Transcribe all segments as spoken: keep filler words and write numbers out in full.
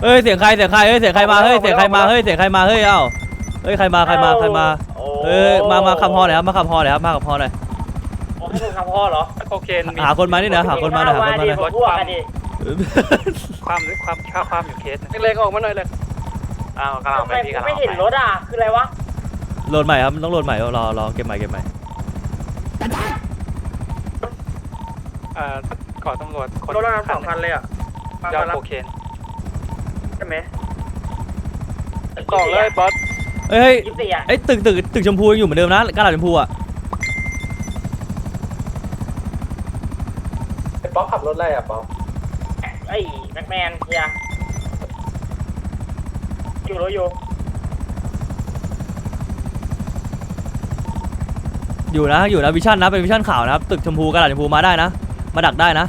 เฮ้ยเสียงใครเสียงใครเฮ้ยเสียงใครมาเฮ้ยเสียงใครมาเฮ้ยเสียงใครมาเฮ้ยเอ้าเฮ้ยใครมาใครมาใครมาเฮ้ยมามาขับฮอหน่อยครับมาขับฮอหน่อยครับมาขับฮอหน่อยให้คุณขับฮอเหรอโอเคหาคนมานี่นะหาคนมาหน่อยหาคนมาหน่อยความความค่าความอยู่เคสเล็กๆออกมาหน่อยเลยอ้าวกำลังไปพี่กำลังไม่เห็นรถอ่ะคืออะไรวะโหลดใหม่ครับต้องโหลดใหม่รอรอเก็บใหม่เก็บใหม่อ่าก่อตำรวจรถเราสองคันเลยอ่ะยาวโอเคใช่ไหมก่อเลยบอสเฮ้ยเฮ้ยตึกตึกตึกชมพูยังอยู่เหมือนเดิมนะกระดาษชมพูอ่ะไอ้ป๊อปขับรถอะไรอ่ะป๊อปไอ้แม็กแมนเฮียอยู่รถอยู่อยู่นะอยู่นะวิชั่นนะเป็นวิชั่นขาวนะครับตึกชมพูกระดาษชมพูมาได้นะมาดักได้นะ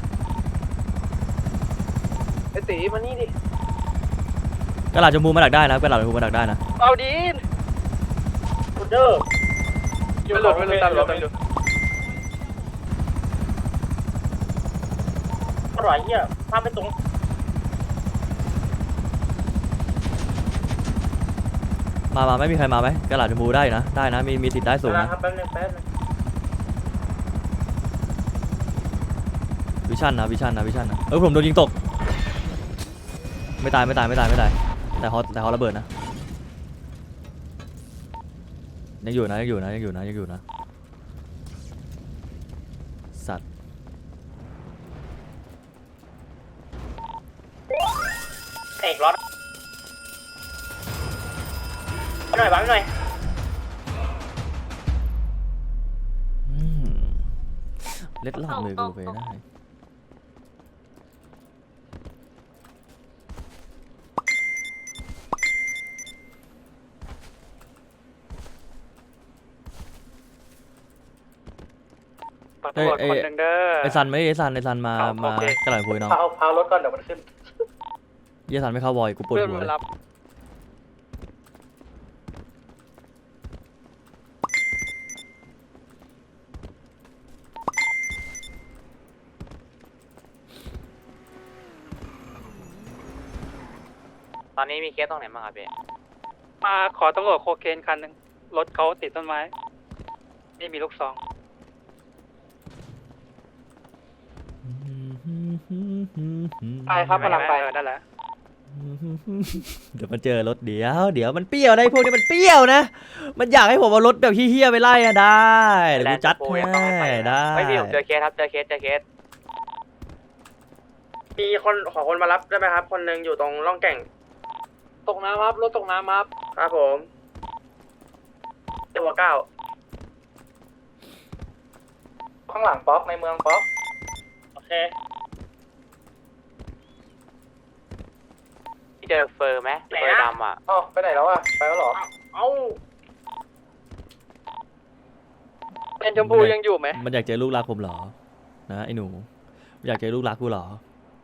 ไอ้ตีมานี่ดิกระดาษชมพูมาดักได้นะกระดาษชมพูมาดักได้นะเอาดีนกูเดอร์อยู่หลุดไม่หลุดตามหลุดไม่หลุดอร่อยเหี้ยภาพไม่ตรงมามาไม่มีใครมาไหมกระดาษชมพูได้นะได้นะมีมีติดได้สูงนะแป๊บนึงแป๊บนึงวิชั่นนะวิชั่นนะวิชั่นนะเออผมโดนยิงตกไม่ตายไม่ตายไม่ตายไม่ตายแต่เขาแต่เขาระเบิดนะยังอยู่นะยังอยู่นะยังอยู่นะยังอยู่นะสัตว์เอกรถหน่อยบ้างหน่อยเล็ดลอดมือกูไปได้เฮ้ยไอ้ไอ้ซันไม่ไอ้ซันไอ้ซันมามากระหล่ำปุยน้องพาพารถก่อนเดี๋ยวมันขึ้นไอ้ซันไม่เข้าวอยกูปวดหัวตอนนี้มีเคสตรงไหนบ้างครับพี่มาขอตำรวจโคเคนคันหนึ่งรถเขาติดต้นไม้นี่มีลูกซองไปครับกำลังไปนั่นแหละเดี๋ยวมันเจอรถเดี๋ยวเดี๋ยวมันเปรี้ยวได้พวกนี้มันเปรี้ยวนะมันอยากให้ผมเอารถแบบเฮี้ยๆไปไล่อะได้เดี๋ยวกูจัดให้ได้ไม่พี่ผมเจอเคสครับเจอเคสเจอเคสมีคนขอคนมารับได้ไหมครับคนหนึ่งอยู่ตรงร่องแก่งตกน้ำครับรถตกน้ำครับครับผมตัวเก้าข้างหลังป๊อปในเมืองป๊อปโอเคพี่เจอเฟอร์ไหมเฟอร์ดำอ่ะอ๋อไปไหนแล้วอ่ะไปแล้วหรอเอ้าเป็นชมพูยังอยู่ไหมมันอยากเจอลูกรักผมเหรอนะไอ้หนูอยากเจอลูกรักกูเหรอ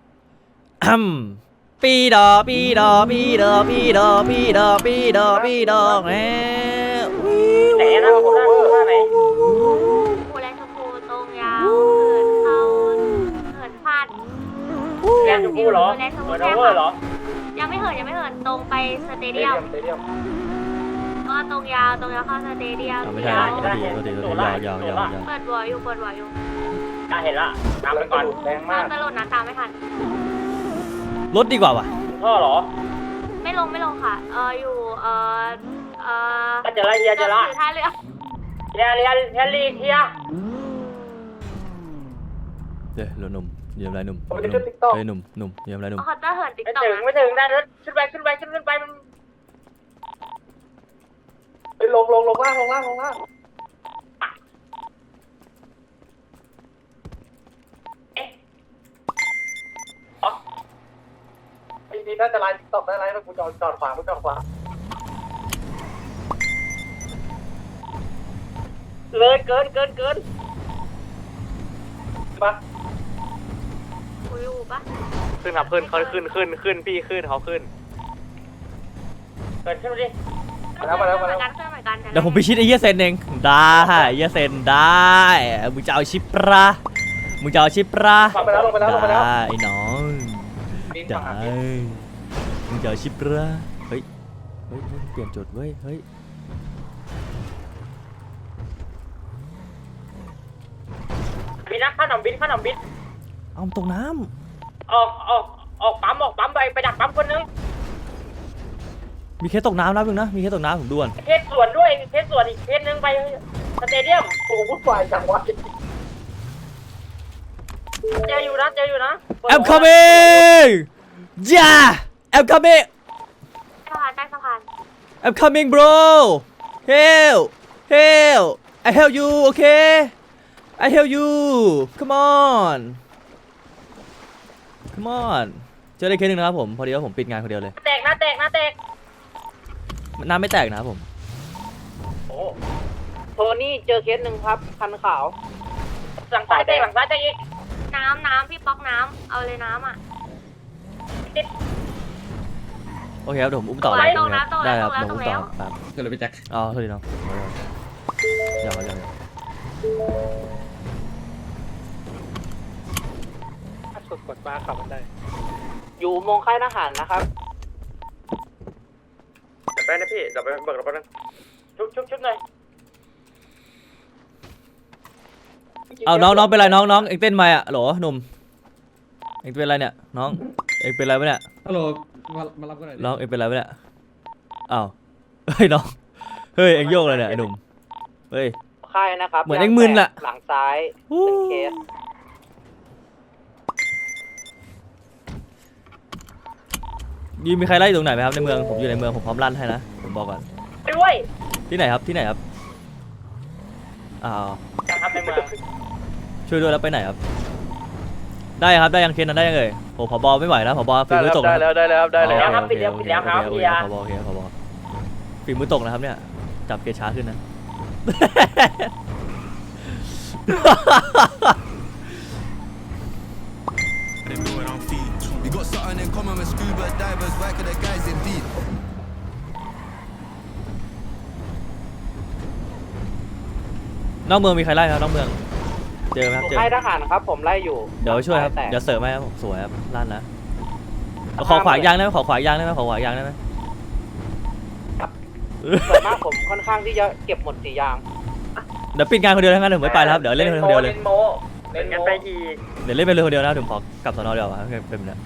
ปีดอปีดอปีดอปีดอปีดอปีดอปีดอแหมไหนนะคุณท่านคุณท่านไหนภูแลชมพูตรงยาวเหินเข้าเหินพลาดแลชมพูเหรอแลชมพูใช่ค่ะเหรอยังไม่เหินยังไม่เหินตรงไปสเตเดียมก็ตรงยาวตรงยาวเข้าสเตเดียมไม่ใช่ตัวดีตัวดีตัวดียาวยาวยาวเปิดบัวอยู่เปิดบัวอยู่เห็นละตามไปก่อนแรงมากตลดนะตามไม่ทันรถดีกว่าว่ะพ่อเหรอไม่ลงไม่ลงค่ะเอออยู่เออเออเจอละเฮียเจอละท่าเรือเฮียเฮียเฮียรีเฮียเดี๋ยวเราหนุ่มเยี่ยมไรหนุ่มเฮ้ยหนุ่มหนุ่มเยี่ยมไรหนุ่มเขาจะเหินติ๊กต็อกไม่ถึงไม่ถึงได้รถขึ้นไปขึ้นไปขึ้นขึ้นไปมันไปลงลงลงล่างลงล่างลงล่างไอ้นี่น่าจะไลน์ติ๊กต็อกได้ไลน์แล้วกูจอดจอดขวากูจอดขวาเลยเกินเกินเกินปะกูอยู่ปะขึ้นครับขึ้นเขาขึ้นขึ้นขึ้นพี่ขึ้นเขาขึ้นเกินขึ้นดิมาแล้วมาแล้วมาแล้วเดี๋ยวผมไปชิดไอ้เหี้ยเซนเองได้ไอ้เหี้ยเซนได้มึงจะเอาชิปรามึงจะเอาชิปราไปแล้วลงไปแล้วลงไปแล้วได้ไอ้น้องได้มึงจะเอาชิปเหรอเฮ้ยเฮ้ยเฮ้ยเปลี่ยนจุดเว้ยเฮ้ยบินนะข้าหนมบินข้าหนมบินเอาตกน้ออกออกออกปั๊มออกปั๊มไปไปดักปั๊มคนนึงำมีเคสตกน้ำนะมึงนะมีเคสตกน้ำผมด่วนเคสส่วนด้วยเคสส่วนอีกเคสนึงไปสเตเดียมโอ้โหวุ่นวายจังวะเจออยู่นะเจออยู่นะ I'm coming yeah I'm coming สะพานใต้สะพาน I'm coming bro help help I help you okay I help you come on come on เจอได้เคสหนึ่งนะครับผมพอดีว่าผมปิดงานคนเดียวเลยแตกนะแตกนะแตกน้ำไม่แตกนะครับผมโอ้โทนี่เจอเคสหนึ่งครับคันขาวหลังซ้ายแตกหลังซ้ายแตกอีกน้ำน้ำพี่ป๊อกน้ำเอาเลยน้ำอ่ะโอเคครับเดี๋ยวผมอุ้มต่อตรงเลแล้วยตรงแล้วตรงแล้วได้ครับตรงเดี๋ยวแล้วอุ้มต่อครับก็เลยไปแจ็คอ๋อโทษทีน้องอย่าอย่าอย่าถ้ากดกดมาขับมันได้อยู่มงค่ายทหารนะครับจับไปนะพี่จับไปเบิกรถแป๊บนึงชุบชุบชุบหน่อยเอาน้องน้องเป็นไรน้องน้องเอ็งเต้นไหมอ่ะโหลหนุ่มเอ็งเป็นไรเนี่ยน้องเอ็งเป็นไรวะเนี่ยฮัลโหลมามารับกันหน่อยดิน้องเอ็งเป็นไรวะเนี่ยอ้าวเฮ้ยน้องเฮ้ยเอ็งโยกเลยเนี่ยไอ้หนุ่มเฮ้ยค่ายนะครับเหมือนเอ็งมึนอะหลังซ้ายฮู้เป็นเคสยีมีใครไล่อยู่ตรงไหนไหมครับในเมืองผมอยู่ในเมืองผมพร้อมลั่นให้นะผมบอกก่อนไปด้วยที่ไหนครับที่ไหนครับอ้าวจะทำในเมืองช่วยด้วยแล้วไปไหนครับได้ครับได้ยังเคสนั้นได้ยังเอ่ยโอ้ผบไม่ไหวนะผบฝีมือตกได้นะแล้วได้แล้วได้แล้วอ๋อครับโอปิดเคแล้วโอปิดเคแล้วครับโอเฮีเคยผบโอเคผบฝีมือตกนะครับเนี่ยจับเกช้าขึ้นนะ We got something in common with scuba divers, work the guys indeed. นอกเมืองมีใครไล่ครับนอกเมืองเจอไหมครับเจอค่ายทหารครับผมไล่อยู่เดี๋ยวช่วยครับแตกเดี๋ยวเสริมให้ครับสวยครับลั่นนะขอขวายางได้ไหมขอขวายางได้ไหมขอขวายางได้ไหมส่วนมากผมค่อนข้างที่จะเก็บหมดสี่อย่างเดี๋ยวปิดงานคนเดียวทั้งนั้นเดี๋ยวผมไม่ไปแล้วครับเดี๋ยวเล่นคนเดียวเลยเล่นกันไปอีกเดี๋ยวเล่นไปเลยคนเดียวนะเดี๋ยวผมขอกลับสนอเดียวอ่ะเป็นแบบนี้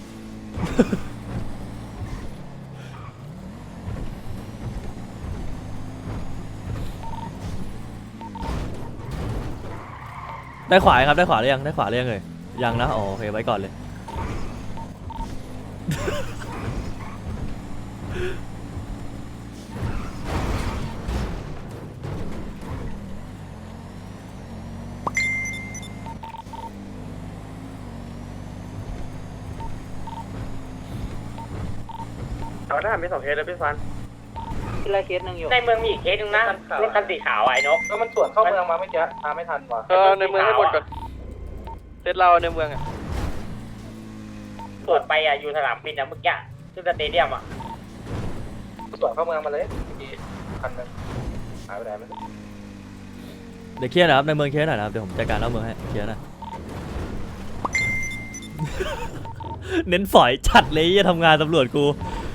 ได้ขวาครับได้ขวาหรือยังได้ขวาหรือยังเลยยังนะอ๋อโอเคไว้ก่อนเลยเอาได้มีสองเคสแล้วพี่ฟันทีละเคสหนึ่งอยู่ในเมืองมีอีกเคสหนึ่งนะรถคันสีขาวไอ้นกก็มันสวนเข้าเมืองมาไม่เจอมาไม่ทันว่ะเออในเมืองให้หมดก่อนเซตเราในเมืองอ่ะสวนไปอ่ะอยู่สนามบินอ่ะเมื่อกี้ที่สเตเดียมอ่ะสวนเข้าเมืองมาเลยคันนึงหายไปไหนไม่รู้เดี๋ยวเคลียร์นะครับในเมืองเคลียร์หน่อยนะครับเดี๋ยวผมจัดการนอกเมืองให้เคลียร์หนะ เน้นฝอยจัดเลยจะทำงานตำรวจกู